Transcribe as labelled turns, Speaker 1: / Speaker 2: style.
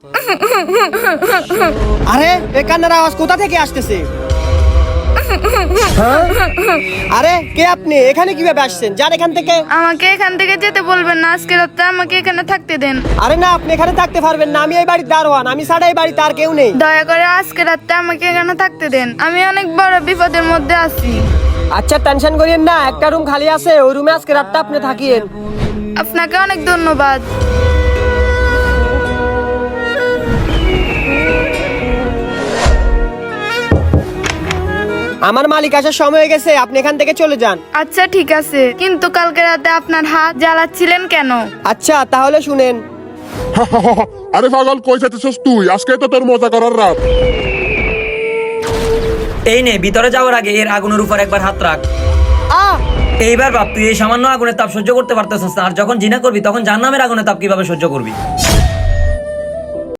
Speaker 1: আরে এই কান্নার আওয়াজ কোথা থেকে আসতেছে? আরে কে আপনি? এখানে কিভাবে আসছেন? যান এখান থেকে।
Speaker 2: আমাকে এখান থেকে যেতে বলবেন না, আজকে রাতে আমাকে এখানে থাকতে দেন।
Speaker 1: আরে না, আপনি এখানে থাকতে পারবেন না। আমি এই বাড়ির দারোয়ান। আমি ছাড়া এই বাড়িতে আর কেউ নেই।
Speaker 2: দয়া করে আজকে রাতে আমাকে এখানে থাকতে দেন, আমি অনেক বড় বিপদের মধ্যে আছি।
Speaker 1: আচ্ছা, টেনশন করিয়েন না, একটা রুম খালি আছে, ওই রুমে আজকে রাতটা আপনি থাকিয়েন।
Speaker 2: আপনাকে অনেক ধন্যবাদ।
Speaker 1: আমার মালিক আসার সময় হয়ে গেছে, আপনি এখান থেকে চলে যান।
Speaker 2: আচ্ছা ঠিক আছে, কিন্তু কালকে রাতে আপনার হাত জ্বালাচ্ছিলেন কেন?
Speaker 1: আচ্ছা তাহলে শুনেন।
Speaker 3: আরে পাগল, কই যাচ্ছিস তুই? আজকে তো তোর মজা করার রাত।
Speaker 4: এই নে, ভিতরে যাওয়ার আগে এর আগুনের উপর একবার হাত রাখ। এইবার ভাব, তুই এই সামান্য আগুনের তাপ সহ্য করতে পারতেছিস না, আর যখন জিনা করবি তখন জাহান্নামের আগুনের তাপ কিভাবে সহ্য করবি?